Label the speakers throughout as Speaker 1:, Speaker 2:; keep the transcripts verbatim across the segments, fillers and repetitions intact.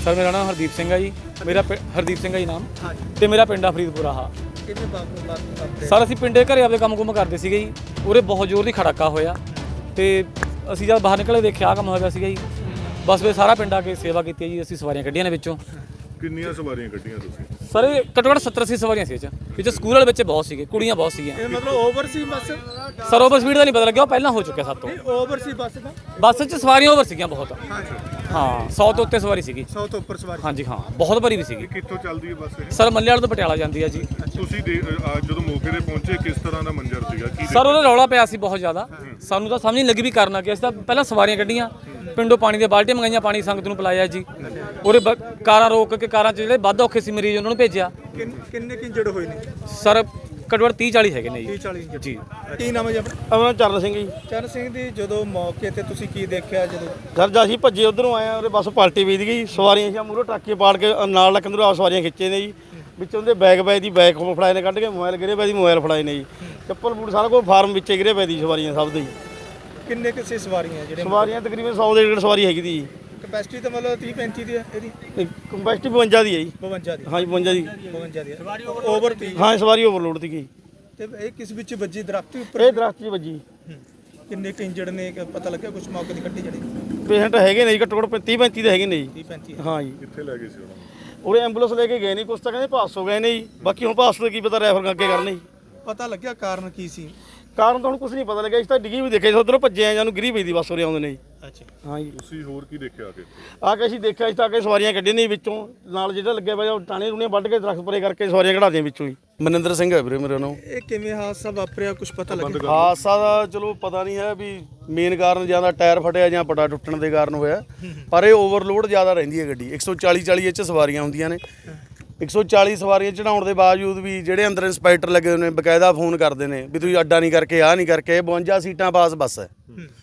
Speaker 1: Sir ਮੇਰਾ ਨਾਮ ਹਰਦੀਪ ਸਿੰਘ ਹੈ ਜੀ। ਮੇਰਾ ਹਰਦੀਪ ਸਿੰਘ ਹੈ ਜੀ ਨਾਮ, ਤੇ ਮੇਰਾ ਪਿੰਡ ਆ ਫਰੀਦਪੁਰਾ। ਹਾਂ ਸਰ ਅਸੀਂ ਪਿੰਡੇ ਘਰੇ ਆਪਦੇ ਕੰਮ ਕੁੰਮ ਕਰਦੇ ਸੀਗੇ ਜੀ। ਉਰੇ ਬਹੁਤ ਜ਼ੋਰ ਦੀ ਖੜਾਕਾ ਹੋਇਆ ਤੇ ਅਸੀਂ ਜਦ ਬਾਹਰ ਨਿਕਲੇ ਦੇਖਿਆ ਆਹ ਕੰਮ ਹੋਇਆ ਸੀਗਾ ਜੀ। ਬਸ ਫਿਰ ਸਾਰਾ ਪਿੰਡ ਆ ਕੇ ਸੇਵਾ ਕੀਤੀ ਜੀ। ਅਸੀਂ ਸਵਾਰੀਆਂ ਕੱਢੀਆਂ ਨੇ ਵਿੱਚੋਂ।
Speaker 2: ਕਿੰਨੀਆਂ ਸਵਾਰੀਆਂ ਕੱਢੀਆਂ ਤੁਸੀਂ?
Speaker 1: ਸਰ ਇਹ ਘੱਟੋ ਘੱਟ ਸੱਤਰ ਅੱਸੀ ਸਵਾਰੀਆਂ ਸੀ। ਇਹ 'ਚ ਵਿੱਚ ਸਕੂਲ ਵਾਲੇ ਬੱਚੇ ਬਹੁਤ ਸੀਗੇ, ਕੁੜੀਆਂ ਬਹੁਤ ਸੀਗੀਆਂ।
Speaker 3: ਇਹ ਮਤਲਬ ਓਵਰ ਸੀ ਬੱਸ?
Speaker 1: ਸਰ ਓਵਰ ਸਪੀਡ ਦਾ ਨਹੀਂ ਪਤਾ ਲੱਗਿਆ, ਉਹ ਪਹਿਲਾਂ ਹੋ ਚੁੱਕਿਆ ਸਾਡੇ ਤੋਂ।
Speaker 3: ਓਵਰ ਸੀ ਬੱਸ ਦਾ?
Speaker 1: ਬੱਸ 'ਚ ਸਵਾਰੀਆਂ ਓਵਰ ਸੀਗੀਆਂ ਬਹੁਤ। ਹਾਂ ਸੌ ਤੋਂ ਉੱਤੇ ਸਵਾਰੀ ਸੀਗੀ।
Speaker 3: ਸੌ ਤੋਂ ਉੱਪਰ ਸਵਾਰੀ? ਹਾਂਜੀ
Speaker 1: ਹਾਂ ਬਹੁਤ ਭਰੀ ਵੀ ਸੀਗੀ।
Speaker 2: ਕਿੱਥੋਂ ਚੱਲਦੀ ਹੈ ਬੱਸ ਇਹ?
Speaker 1: ਸਰ ਮੱਲੇ ਵਾਲੇ ਤੋਂ ਪਟਿਆਲਾ ਜਾਂਦੀ ਹੈ ਜੀ।
Speaker 2: ਤੁਸੀਂ ਜਦੋਂ ਮੌਕੇ ਤੇ ਪਹੁੰਚੇ ਕਿਸ ਤਰ੍ਹਾਂ ਦਾ ਮੰਜ਼ਰ ਸੀਗਾ? ਕੀ
Speaker 1: ਸਰ ਉਹਦਾ ਰੌਲਾ ਪਿਆ ਸੀ ਬਹੁਤ ਜ਼ਿਆਦਾ। ਸਾਨੂੰ ਤਾਂ ਸਮਝ ਨਹੀਂ ਲੱਗੀ ਵੀ ਕਰਨਾ ਕੀ। ਅਸੀਂ ਤਾਂ ਪਹਿਲਾਂ ਸਵਾਰੀਆਂ ਕੱਢੀਆਂ, ਪਿੰਡੋਂ ਪਾਣੀ ਦੀਆਂ ਬਾਲਟੀਆਂ ਮੰਗਾਈਆਂ, ਪਾਣੀ ਸੰਗਤ ਨੂੰ ਪਿਲਾਇਆ ਜੀ। ਉਹਦੇ ਕਾਰਾਂ ਰੋਕ ਕੇ, ਕਾਰਾਂ 'ਚ ਜਿਹੜੇ ਵੱਧ ਔਖੇ ਸੀ ਮਰੀਜ਼ ਉਹਨਾਂ ਨੂੰ ਭੇਜਿਆ।
Speaker 3: ਕਿੰਨੇ ਇੰਜਰਡ ਹੋਏ ਨੇ
Speaker 1: ਸਰ? ਘੱਟੋ ਘੱਟ ਤੀਹ ਚਾਲੀ ਹੈਗੇ ਨੇ ਜੀ।
Speaker 3: ਤੀਹ ਚਾਲੀ
Speaker 1: ਜੀ।
Speaker 3: ਕੀ ਨਾਮ ਹੈ ਜੀ ਆਪਣਾ?
Speaker 4: ਆਪਣਾ ਚਰਨ ਸਿੰਘ ਜੀ।
Speaker 3: ਚਰਨ ਸਿੰਘ ਦੀ ਜਦੋਂ ਮੌਕੇ ਤੇ ਤੁਸੀਂ ਕੀ ਦੇਖਿਆ? ਜਦੋਂ
Speaker 4: ਸਰ ਜਦ ਅਸੀਂ ਭੱਜੇ ਉਧਰੋਂ ਆਏ ਆ, ਉਹਦੇ ਬੱਸ ਪਲਟੀ ਵੀਦ ਗਈ। ਸਵਾਰੀਆਂ ਸੀ ਮੂਹਰੋਂ ਟਰੱਕੇ ਪਾੜ ਕੇ ਨਾਲ ਲੱਕੰਦਰੋਂ ਆਪ ਸਵਾਰੀਆਂ ਖਿੱਚੇ ਨੇ ਜੀ। ਵਿੱਚੋਂ ਦੇ ਬੈਗ ਬੈਗ ਦੀ ਬੈਗ ਫੜਾਏ ਨੇ ਕੱਢ ਕੇ, ਮੋਬਾਈਲ ਗਿਰੇ ਪਏ ਦੀ ਮੋਬਾਈਲ ਫੜਾਏ ਨੇ ਜੀ। ਚੱਪਲ ਬੂਟ ਸਾਰਾ ਕੁਝ ਫਾਰਮ ਵਿੱਚੇ ਗਿਰੇ ਪਏ ਦੀ ਸਵਾਰੀਆਂ ਸਭ ਦੇ ਜੀ।
Speaker 3: ਕਿੰਨੇ ਕਿਸੇ ਸਵਾਰੀਆਂ ਜਿਹੜੇ?
Speaker 4: ਸਵਾਰੀਆਂ ਤਕਰੀਬਨ ਸੌ ਦੇ ਡੇਢ ਸਵਾਰੀ ਹੈਗੀ ਦੀ ਜੀ।
Speaker 3: ਕਪੈਸਿਟੀ ਤਾਂ ਮਤਲਬ ਤੀਹ ਪੈਂਤੀ ਦੀ ਹੈ ਇਹਦੀ?
Speaker 4: ਕੰਪੈਸਿਟੀ ਬਵੰਜਾ ਦੀ ਹੈ ਜੀ।
Speaker 3: ਬਵੰਜਾ ਦੀ?
Speaker 4: ਹਾਂਜੀ ਬਵੰਜਾ ਦੀ।
Speaker 3: ਬਵੰਜਾ ਦੀ ਓਵਰ ਤੀ?
Speaker 4: ਹਾਂ ਸਵਾਰੀ ਓਵਰਲੋਡ ਸੀਗੀ।
Speaker 3: ਤੇ ਇਹ ਕਿਸ ਵਿੱਚ ਵੱਜੀ? ਦਰਖਤ ਦੇ ਉੱਪਰ?
Speaker 4: ਇਹ ਦਰਖਤ 'ਚ ਵੱਜੀ।
Speaker 3: ਕਿੰਨੇ ਕੁ ਇੰਜਰਡ ਨੇ ਪਤਾ ਲੱਗਿਆ ਕੁਝ ਮੌਕੇ ਦੀ ਕੱਟੀ ਜਿਹੜੀ?
Speaker 4: ਪੇਸ਼ੈਂਟ ਹੈਗੇ ਨੇ ਜੀ ਘੱਟੋ ਘੱਟ ਤੀਹ ਪੈਂਤੀ ਦੇ ਹੈਗੇ ਨੇ ਜੀ।
Speaker 3: ਤੀਹ ਪੈਂਤੀ?
Speaker 4: ਹਾਂ ਜੀ।
Speaker 2: ਕਿੱਥੇ ਲੈ ਗਏ ਸੀ ਉਹਨਾਂ ਨੂੰ?
Speaker 4: ਉਹਦੇ ਐਂਬੂਲੈਂਸ ਲੈ ਕੇ ਗਏ ਨਹੀਂ, ਕੁਛ ਤਾਂ ਕਹਿੰਦੇ ਪਾਸ ਹੋ ਗਏ ਨੇ ਜੀ। ਬਾਕੀ ਹੁਣ ਪਾਸ ਤੋਂ ਕੀ ਪਤਾ ਰੈਫਰ ਅੱਗੇ ਕਰਨੇ ਜੀ।
Speaker 3: ਪਤਾ ਲੱਗਿਆ ਕਾਰਨ ਕੀ ਸੀ?
Speaker 4: ਕਾਰਨ ਤਾਂ ਹੁਣ ਕੁਝ ਨਹੀਂ ਪਤਾ ਲੱਗਿਆ। ਇਸ ਤਾਂ ਡਿੱਗੀ ਵੀ ਦੇਖਿਆ, ਉਧਰੋਂ ਭੱਜੇ ਆ, ਜਾਨੂੰ ਗਿਰੀ ਪਈ ਦੀ ਬੱਸ ਉਰੇ ਆਉਂਦੇ ਨੇ ਜੀ।
Speaker 3: ਅੱਛਾ
Speaker 4: ਹਾਂ ਜੀ।
Speaker 2: ਤੁਸੀਂ ਹੋਰ ਕੀ ਦੇਖਿਆ ਆ ਕੇ?
Speaker 4: ਆ ਕੇ ਅਸੀਂ ਦੇਖਿਆ, ਇਸ ਤਾਂ ਆ ਕੇ ਸਵਾਰੀਆਂ ਕੱਢੀਆਂ ਨੇ ਵਿੱਚੋਂ, ਨਾਲ ਜਿਹੜਾ ਲੱਗਿਆ ਪਿਆ ਉਹ ਟਾਣੇ ਰੂਣੇ ਵੱਢ ਕੇ ਦਰਖਤ ਪਰੇ ਕਰਕੇ ਸਵਾਰੀਆਂ ਕਢਾਦੀਆਂ ਵਿੱਚੋਂ ਹੀ। ਮਨਿੰਦਰ ਸਿੰਘ ਹੈ ਵੀਰੇ ਮੇਰਾ ਨਾਮ।
Speaker 3: ਇਹ ਕਿਵੇਂ ਹਾਦਸਾ ਵਾਪਰਿਆ, ਕੁਝ ਪਤਾ ਲੱਗਿਆ?
Speaker 4: ਹਾਦਸਾ ਦਾ ਚਲੋ ਪਤਾ ਨਹੀਂ ਹੈ ਵੀ ਮੇਨ ਕਾਰਨ ਜਾਂ ਤਾਂ ਟਾਇਰ ਫਟਿਆ ਜਾਂ ਪਟਾ ਟੁੱਟਣ ਦੇ ਕਾਰਨ ਹੋਇਆ, ਪਰ ਇਹ ਓਵਰਲੋਡ ਜ਼ਿਆਦਾ ਰਹਿੰਦੀ ਹੈ ਗੱਡੀ। ਇੱਕ ਸੌ ਚਾਲੀ ਚਾਲੀ ਇਹ 'ਚ ਸਵਾਰੀਆਂ ਹੁੰਦੀਆਂ ਨੇ। ਇੱਕ ਸੌ ਚਾਲੀ ਸਵਾਰੀਆਂ ਚੜਾਉਣ ਦੇ ਬਾਵਜੂਦ ਵੀ ਜਿਹੜੇ ਅੰਦਰ ਇੰਸਪੈਕਟਰ ਲੱਗੇ ਹੋਏ ਨੇ ਬਕਾਇਦਾ ਫੋਨ ਕਰਦੇ ਨੇ ਵੀ ਤੁਸੀਂ ਅੱਡਾ ਨਹੀਂ ਕਰਕੇ, ਆਹ ਨਹੀਂ ਕਰਕੇ। ਬਵੰਜਾ ਸੀਟਾਂ ਪਾਸ ਬੱਸ ਹੈ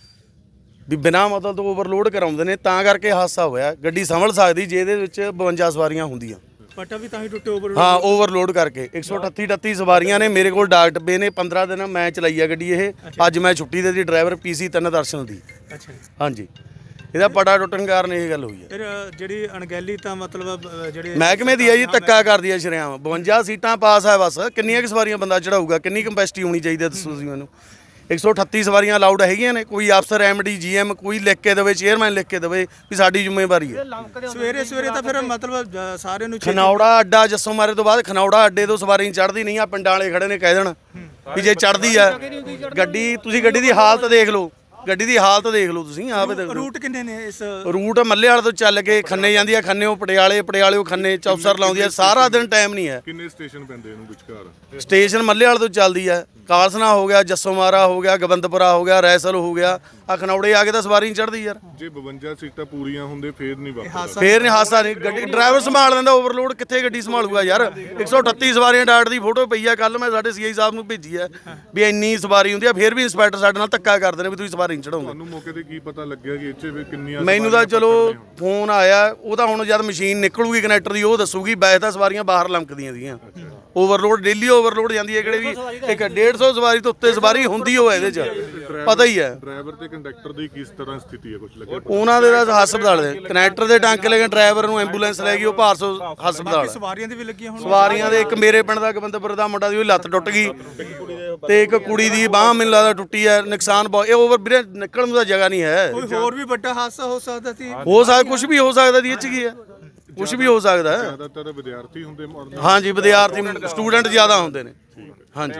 Speaker 4: ਵੀ ਬਿਨਾਂ ਮਤਲਬ ਤੋਂ ਓਵਰਲੋਡ ਕਰਾਉਂਦੇ ਨੇ, ਤਾਂ ਕਰਕੇ ਹਾਦਸਾ ਹੋਇਆ। ਗੱਡੀ ਸੰਭਲ ਸਕਦੀ ਜੇ ਇਹਦੇ ਵਿੱਚ ਬਵੰਜਾ ਸਵਾਰੀਆਂ ਹੁੰਦੀਆਂ।
Speaker 3: ਪਟਾ ਵੀ ਤਾਂ ਹੀ ਟੁੱਟੇ ਓਵਰ?
Speaker 4: ਹਾਂ ਓਵਰਲੋਡ ਕਰਕੇ। ਇੱਕ ਸੌ ਅਠੱਤੀ ਅਠੱਤੀ ਸਵਾਰੀਆਂ ਨੇ। ਮੇਰੇ ਕੋਲ ਡਾਕ ਡੱਬੇ ਨੇ। ਪੰਦਰਾਂ ਦਿਨ ਮੈਂ ਚਲਾਈ ਆ ਗੱਡੀ ਇਹ। ਅੱਜ ਮੈਂ ਛੁੱਟੀ ਦੇ ਦੀ ਡਰਾਈਵਰ ਪੀਸੀ ਤਿੰਨ ਦਰਸ਼ਨ ਦੀ।
Speaker 3: ਅੱਛਾ।
Speaker 4: ਹਾਂਜੀ ਇਹਦਾ ਪਟਾ ਟੁੱਟਣ ਕਾਰਨ ਇਹ ਗੱਲ ਹੋਈ ਹੈ।
Speaker 3: ਫਿਰ ਜਿਹੜੀ ਅਣਗਹਿਲੀ ਤਾਂ ਮਤਲਬ ਜਿਹੜੇ
Speaker 4: ਮਹਿਕਮੇ ਦੀ ਹੈ ਜੀ, ਧੱਕਾ ਕਰਦੀ ਹੈ ਸ਼ਰਿਆਮ। ਬਵੰਜਾ ਸੀਟਾਂ ਪਾਸ ਹੈ ਬੱਸ। ਕਿੰਨੀਆਂ ਕੁ ਸਵਾਰੀਆਂ ਬੰਦਾ ਚੜਾਊਗਾ? ਕਿੰਨੀ ਕੰਪੈਸਿਟੀ ਹੋਣੀ ਚਾਹੀਦੀ ਹੈ ਦੱਸੋ ਤੁਸੀਂ ਮੈਨੂੰ? ਇੱਕ ਸੌ ਅਠੱਤੀ ਸਵਾਰੀਆਂ ਅਲਾਉਡ ਹੈਗੀਆਂ ਨੇ। ਕੋਈ ਅਫਸਰ ਐਮਡੀ ਜੀਐਮ ਕੋਈ ਲਿਖ ਕੇ ਦੇਵੇ, ਚੇਅਰਮੈਨ ਲਿਖ ਕੇ ਦੇਵੇ ਵੀ ਸਾਡੀ ਜ਼ਿੰਮੇਵਾਰੀ ਹੈ।
Speaker 3: ਸਵੇਰੇ ਸਵੇਰੇ ਤਾਂ ਫਿਰ ਮਤਲਬ ਸਾਰਿਆਂ ਨੂੰ
Speaker 4: ਖਨੌੜਾ ਅੱਡਾ ਜੱਸੋਂ ਮਾਰੇ ਤੋਂ ਬਾਅਦ ਖਨੌੜਾ ਅੱਡੇ ਤੋਂ ਸਵਾਰੀ ਚੜ੍ਹਦੀ ਨਹੀਂ ਆ। ਪਿੰਡਾਂ ਵਾਲੇ ਖੜੇ ਨੇ ਕਹਿ ਦੇਣ ਵੀ ਜੇ ਚੜ੍ਹਦੀ ਆ ਗੱਡੀ। ਤੁਸੀਂ ਗੱਡੀ ਦੀ ਹਾਲਤ ਦੇਖ ਲਓ, ਗੱਡੀ ਦੀ ਹਾਲਤ ਦੇਖ ਲਓ ਤੁਸੀਂ ਆਪੇ ਦੇਖ ਲਓ।
Speaker 3: ਰੂਟ ਕਿੰਨੇ ਨੇ ਇਸ?
Speaker 4: ਰੂਟ ਮੱਲੇ ਵਾਲੇ ਤੋਂ ਚੱਲ ਕੇ ਖੰਨੇ ਜਾਂਦੀ ਆ, ਖੰਨੇੋਂ ਪਟਿਆਲੇ, ਪਟਿਆਲੇੋਂ ਖੰਨੇ, ਚੌਪਸਰ ਲਾਉਂਦੀ ਆ। ਸਾਰਾ ਦਿਨ ਟਾਈਮ ਨਹੀਂ ਹੈ।
Speaker 2: ਕਿੰਨੇ ਸਟੇਸ਼ਨ ਪੈਂਦੇ ਇਹਨੂੰ ਵਿਚਕਾਰ?
Speaker 4: ਸਟੇਸ਼ਨ ਮੱਲੇ ਵਾਲੇ ਤੋਂ ਚੱਲਦੀ ਆ। ਕਾਲਸਨਾ ਹੋ ਗਿਆ, ਜੱਸੋਂ ਮਾਰਾ ਹੋ ਗਿਆ, ਗੋਬਿੰਦਪੁਰਾ ਹੋ ਗਿਆ, ਰੈਸਲ ਹੋ ਗਿਆ। ਆ ਖਨੌੜੇ ਆ ਕੇ ਤਾਂ ਸਵਾਰੀ ਨਹੀਂ ਚੜ੍ਹਦੀ ਯਾਰ।
Speaker 2: ਜੇ ਬਵੰਜਾ ਸੀਟਾਂ ਪੂਰੀਆਂ ਹੁੰਦੇ ਫੇਰ ਨਹੀਂ ਵਾਪਰਦਾ?
Speaker 4: ਫੇਰ ਨਹੀਂ ਹਾਦਸਾ ਨਹੀਂ। ਗੱਡੀ ਡਰਾਈਵਰ ਸੰਭਾਲ ਲੈਂਦਾ। ਓਵਰਲੋਡ ਕਿੱਥੇ ਗੱਡੀ ਸੰਭਾਲੂਗਾ ਯਾਰ? ਇੱਕ ਸੌ ਅਠੱਤੀ ਸਵਾਰੀਆਂ ਡਾਟ ਦੀ ਫੋਟੋ ਪਈ ਆ। ਕੱਲ ਮੈਂ ਸਾਡੇ ਸੀਆਈ ਸਾਹਿਬ ਨੂੰ ਭੇਜੀ ਆ ਵੀ ਇੰਨੀ ਸਵਾਰੀ ਹੁੰਦੀ ਆ, ਫੇਰ ਵੀ ਇੰਸਪੈਕਟਰ ਸਾਡੇ ਨਾਲ ਧੱਕਾ ਕਰਦੇ ਨੇ ਵੀ ਤੁਸੀਂ ਸਵਾਰੀ ਨਹੀਂ ਚੜਾਉਂਦੇ।
Speaker 2: ਤੁਹਾਨੂੰ ਮੌਕੇ ਤੇ ਕੀ ਪਤਾ ਲੱਗਿਆ ਕਿ ਇੱਥੇ ਵੀ ਕਿੰਨੀਆਂ?
Speaker 4: ਮੈਨੂੰ ਤਾਂ ਚਲੋ ਫੋਨ ਆਇਆ, ਉਹ ਤਾਂ ਹੁਣ ਜਦ ਮਸ਼ੀਨ ਨਿਕਲੂਗੀ ਕਨੈਕਟਰ ਦੀ ਉਹ ਦੱਸੂਗੀ। ਵੈਸੇ ਤਾਂ ਸਵਾਰੀਆਂ ਬਾਹਰ ਲੰਕਦੀਆਂ ਸੀਗੀਆਂ। ਓਵਰਲੋਡ ਡੇਲੀ ਓਵਰਲੋਡ ਜਾਂਦੀ ਹੈ। ਕਿਹੜੇ ਵੀ ਇੱਕ ਡੇਢ ਸੌ ਸਵਾਰੀ ਤੋਂ ਉੱਤੇ ਸਵਾਰੀ ਹੁੰਦੀ ਹੋਵੇ ਇਹਦੇ 'ਚ, ਪਤਾ ਹੀ ਹੈ।
Speaker 2: ਡਰਾਈਵਰ ਤੇ ਕੰਡਕਟਰ ਦੀ ਕਿਸ ਤਰ੍ਹਾਂ ਸਥਿਤੀ ਹੈ, ਕੁਝ ਲੱਗਿਆ?
Speaker 4: ਉਹਨਾਂ ਦੇ ਤਾਂ ਹਸਪਤਾਲ ਦੇ ਕਨੈਕਟਰ ਦੇ ਟਾਂਕੇ ਲੈ ਕੇ ਡਰਾਈਵਰ ਨੂੰ ਐਂਬੂਲੈਂਸ ਲੈ ਗਈ, ਉਹ ਭਾਰਸੋ ਹਸਪਤਾਲ।
Speaker 3: ਸਵਾਰੀਆਂ ਦੇ ਵੀ ਲੱਗੀਆਂ ਹੁਣ?
Speaker 4: ਸਵਾਰੀਆਂ ਦੇ ਇੱਕ ਮੇਰੇ ਪਿੰਡ ਦਾ ਗੋਬਿੰਦਪੁਰ ਦਾ ਮੁੰਡਾ ਦੀ ਉਹਦੀ ਲੱਤ ਟੁੱਟ ਗਈ ਤੇ ਇੱਕ ਕੁੜੀ ਦੀ ਬਾਂਹ ਮੈਨੂੰ ਲੱਗਦਾ ਟੁੱਟੀ ਹੈ। ਨੁਕਸਾਨ ਬਹੁਤ। ਇਹ ਓਵਰ ਵੀਰੇ ਨਿਕਲਣ ਨੂੰ ਤਾਂ ਜਗ੍ਹਾ ਨਹੀਂ ਹੈ।
Speaker 3: ਕੋਈ ਹੋਰ ਵੀ ਵੱਡਾ ਹਾਦਸਾ ਹੋ ਸਕਦਾ ਸੀ?
Speaker 4: ਹੋ ਸਕਦਾ, ਕੁਝ ਵੀ ਹੋ ਸਕਦਾ ਦੀ ਇਹ 'ਚ ਕੀ ਹੈ, ਕੁਝ ਵੀ ਹੋ ਸਕਦਾ ਹੈ।
Speaker 2: ਜ਼ਿਆਦਾਤਰ ਵਿਦਿਆਰਥੀ ਹੁੰਦੇ?
Speaker 4: ਹਾਂਜੀ ਵਿਦਿਆਰਥੀ ਸਟੂਡੈਂਟ ਜ਼ਿਆਦਾ ਹੁੰਦੇ ਨੇ। ਹਾਂਜੀ।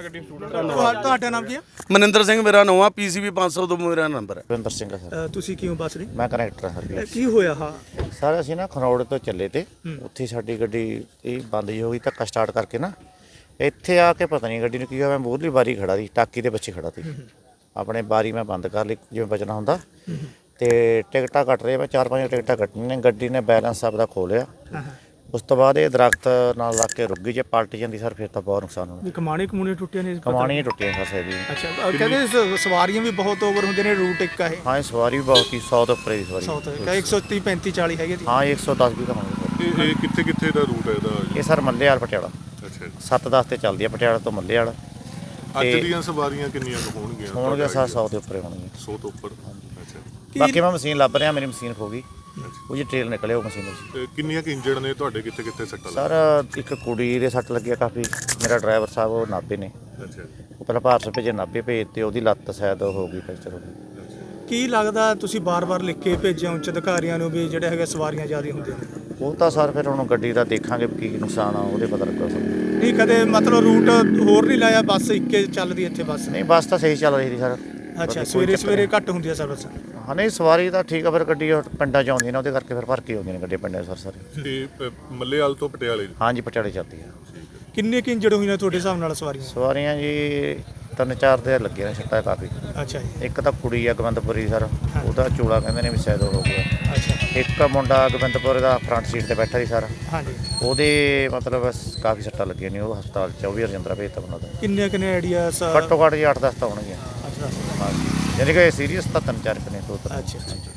Speaker 3: ਤੁਹਾਡਾ ਨਾਮ ਕੀ ਹੈ?
Speaker 4: ਮਨਿੰਦਰ ਸਿੰਘ ਮੇਰਾ ਨਾਮ ਆ। ਪੀਸੀਬੀ ਪੰਜ ਸੌ ਤੋਂ ਮੇਰਾ ਨੰਬਰ ਹੈ।
Speaker 5: ਰਵਿੰਦਰ ਸਿੰਘ ਸਰ।
Speaker 3: ਤੁਸੀਂ ਕਿਉਂ ਬੱਸ ਰਹੇ?
Speaker 5: ਮੈਂ ਕਨੈਕਟਰ ਹਾਂ ਸਰ।
Speaker 3: ਕੀ ਹੋਇਆ? ਹਾਂ
Speaker 5: ਸਰ ਅਸੀਂ ਨਾ ਖਰੋੜ ਤੋਂ ਚੱਲੇ ਤੇ ਉੱਥੇ ਸਾਡੀ ਗੱਡੀ ਇਹ ਬੰਦ ਜੀ ਹੋ ਗਈ, ਧੱਕਾ ਸਟਾਰਟ ਕਰਕੇ ਨਾ ਇੱਥੇ ਆ ਕੇ ਪਤਾ ਨਹੀਂ ਗੱਡੀ ਨੂੰ ਕੀ ਹੋਇਆ। ਮੈਂ ਮੂਹਰਲੀ ਬਾਰੀ ਖੜਾ ਸੀ, ਟਾਕੀ ਦੇ ਪਿੱਛੇ ਖੜਾ ਸੀ। ਆਪਣੇ ਬਾਰੀ ਮੈਂ ਬੰਦ ਕਰ ਲਈ ਜਿਵੇਂ ਬਚਣਾ ਹੁੰਦਾ, ਤੇ ਟਿਕਟਾਂ ਕੱਟ ਰਹੇ। ਮੈਂ ਚਾਰ ਪੰਜ ਟਿਕਟਾਂ ਕੱਟਣੀਆਂ ਨੇ। ਗੱਡੀ ਨੇ ਬੈਲੈਂਸ ਆਪਦਾ ਖੋ ਲਿਆ। ਉਸ ਤੋਂ ਬਾਅਦ ਇਹ ਦਰਖਤ ਨਾਲ ਲੱਗ ਕੇ ਰੁਕ ਗਈ। ਜੇ ਪਲਟ ਜਾਂਦੀ ਸਰ ਫਿਰ ਤਾਂ ਬਹੁਤ ਨੁਕਸਾਨ ਹੋਣਾ।
Speaker 3: ਕਮਾਣੀ ਕਮੂਣੀ ਟੁੱਟੀਆਂ ਨੇ?
Speaker 5: ਕਮਾਣੀਆਂ ਟੁੱਟੀਆਂ ਸਰ ਸੇਦੀ।
Speaker 3: ਅੱਛਾ। ਕਹਿੰਦੇ ਸਵਾਰੀਆਂ ਵੀ ਬਹੁਤ ਓਵਰ ਹੁੰਦੇ ਨੇ। ਰੂਟ ਇੱਕ ਹੈ?
Speaker 5: ਹਾਂ ਸਵਾਰੀ ਵੀ ਬਹੁਤ ਸੀ, ਸੌ ਤੋਂ ਉੱਪਰ ਦੀ ਸਵਾਰੀ।
Speaker 3: ਸੌ ਤੋਂ ਇੱਕ ਸੌ ਤੀਹ ਪੈਂਤੀ ਚਾਲੀ ਹੈਗੇ?
Speaker 5: ਹਾਂ ਇੱਕ ਸੌ ਦਸ ਵੀ ਤਾਂ ਹੋਣਗੇ।
Speaker 2: ਇਹ ਕਿੱਥੇ ਕਿੱਥੇ ਦਾ ਰੂਟ ਹੈ ਇਹਦਾ?
Speaker 5: ਇਹ ਸਰ ਮੱਲੇ ਵਾਲ ਪਟਿਆਲਾ।
Speaker 2: ਅੱਛਾ।
Speaker 5: ਸੱਤ ਦਸ ਤੇ ਚੱਲਦੀ ਹੈ ਪਟਿਆਲਾ ਤੋਂ ਮੱਲੇ ਵਾਲਾ।
Speaker 2: ਅੱਜ ਦੀਆਂ ਸਵਾਰੀਆਂ ਕਿੰਨੀਆਂ ਕੁ ਹੋਣਗੀਆਂ?
Speaker 5: ਹੋਣਗੇ ਸਰ ਸੌ ਦੇ ਉੱਪਰ ਹੋਣਗੀਆਂ।
Speaker 2: ਸੌ ਤੋਂ ਉੱਪਰ। ਅੱਛਾ।
Speaker 5: ਬਾਕੀ ਮੈਂ ਮਸ਼ੀਨ ਲੱਭ ਰਿਹਾ, ਮੇਰੀ ਮਸ਼ੀਨ ਖੋ ਗਈ। ਉਹ ਜੀ ਟ੍ਰੇਲ ਨਿਕਲਿਆ ਉਹ ਮਸ਼ੀਨ 'ਚ।
Speaker 2: ਤੇ ਕਿੰਨੀਆਂ ਕਿ ਇੰਜਰਡ ਨੇ ਤੁਹਾਡੇ, ਕਿੱਥੇ ਕਿੱਥੇ ਸੱਟਾਂ
Speaker 5: ਸਰ ਇੱਕ ਕੁੜੀ ਦੇ ਸੱਟ ਲੱਗਿਆ ਕਾਫੀ। ਮੇਰਾ ਡਰਾਈਵਰ ਸਾਹਿਬ ਉਹ ਨਾਭੇ ਨੇ,
Speaker 2: ਲੱਗੀਆਂ? ਅੱਛਾ ਜੀ।
Speaker 5: ਉਹ ਪਹਿਲਾਂ ਭਾਰਤ ਭੇਜੇ, ਨਾਭੇ ਭੇਜ ਤੇ ਉਹਦੀ ਲੱਤ ਸ਼ਾਇਦ ਹੋ ਗਈ ਫ੍ਰੈਕਚਰ ਹੋ ਗਈ।
Speaker 3: ਕੀ ਲੱਗਦਾ ਤੁਸੀਂ ਬਾਰ-ਬਾਰ ਲਿਖ ਕੇ ਭੇਜਿਆ ਉੱਚ ਅਧਿਕਾਰੀਆਂ ਨੂੰ ਵੀ ਜਿਹੜੇ ਹੈਗੇ ਸਵਾਰੀਆਂ ਜ਼ਿਆਦਾ ਹੁੰਦੀਆਂ ਨੇ?
Speaker 5: ਉਹ ਤਾਂ ਸਰ ਫਿਰ ਹੁਣ ਗੱਡੀ ਦਾ ਦੇਖਾਂਗੇ ਕੀ ਨੁਕਸਾਨ ਆ, ਉਹਦੇ ਪਤਾ ਲੱਗਾ ਸਰ।
Speaker 3: ਨਹੀਂ ਕਦੇ ਮਤਲਬ ਰੂਟ ਹੋਰ ਨਹੀਂ ਲਾਇਆ, ਬੱਸ ਇੱਕੇ ਚੱਲਦੀ ਇੱਥੇ ਬੱਸ?
Speaker 5: ਨਹੀਂ ਬੱਸ ਤਾਂ ਸਹੀ ਚੱਲ ਰਹੀ ਸੀ ਸਰ।
Speaker 3: ਅੱਛਾ, ਸਵੇਰੇ ਸਵੇਰੇ ਘੱਟ ਹੁੰਦੀ ਆ ਸਰਵਿਸ?
Speaker 5: ਹਾਂ ਨਹੀਂ ਸਵਾਰੀ ਤਾਂ ਠੀਕ ਆ, ਫਿਰ ਗੱਡੀ ਉਹ ਪਿੰਡਾਂ 'ਚ ਆਉਂਦੀ ਨੇ, ਉਹਦੇ ਕਰਕੇ ਫਿਰ ਭਰ ਕੇ ਆਉਂਦੀਆਂ ਨੇ ਗੱਡੀਆਂ ਪਿੰਡਾਂ 'ਚ ਸਰ ਸਾਰੇ।
Speaker 2: ਤੇ ਅ, ਮੱਲੇਵਾਲ ਤੋਂ ਪਟਿਆਲੇ?
Speaker 5: ਹਾਂਜੀ ਪਟਿਆਲੇ ਚੱਲਦੀ ਆ।
Speaker 3: ਕਿੰਨੇ ਕੁ ਇੰਜਰਡ ਹੋਈਆਂ ਤੁਹਾਡੇ ਹਿਸਾਬ ਨਾਲ ਸਵਾਰੀਆਂ?
Speaker 5: ਸਵਾਰੀਆਂ ਜੀ ਤਿੰਨ ਚਾਰ ਦੇ ਲੱਗੇ ਨੇ ਸੱਟਾਂ ਕਾਫੀ।
Speaker 3: ਅੱਛਾ ਜੀ।
Speaker 5: ਇੱਕ ਤਾਂ ਕੁੜੀ ਆ ਗੋਬਿੰਦਪੁਰੀ ਸਰ, ਉਹਦਾ ਚੋਲਾ ਕਹਿੰਦੇ ਨੇ ਵੀ ਸ਼ਾਇਦ ਉਹ ਹੋ ਗਿਆ।
Speaker 3: ਅੱਛਾ।
Speaker 5: ਇੱਕ ਮੁੰਡਾ ਗੋਬਿੰਦਪੁਰ ਦਾ ਫਰੰਟ ਸੀਟ ਤੇ ਬੈਠਾ ਸੀ ਸਰ,
Speaker 3: ਹਾਂਜੀ।
Speaker 5: ਉਹਦੇ ਮਤਲਬ ਕਾਫੀ ਸੱਟਾਂ ਲੱਗੀਆਂ ਨੇ, ਉਹ ਹਸਪਤਾਲ ਚ ਉਹ ਵੀ ਰਜਿੰਦਰਾ ਭੇਜਤਾ ਉਹਨਾਂ ਦਾ।
Speaker 3: ਕਿੰਨੇ ਕਿੰਨੇ ਆਈਡੀਆ?
Speaker 5: ਘੱਟੋ ਘੱਟ ਜੀ ਅੱਠ ਦਸ ਤਾਂ ਹੋਣਗੀਆਂ।
Speaker 3: ਅੱਛਾ
Speaker 5: ਹਾਂਜੀ, ਯਾਨੀ ਕਿ ਸੀਰੀਅਸ ਤਾਂ ਤਿੰਨ ਚਾਰ ਕੁ ਨੇ ਦੋ ਤਿੰਨ।
Speaker 3: ਅੱਛਾ।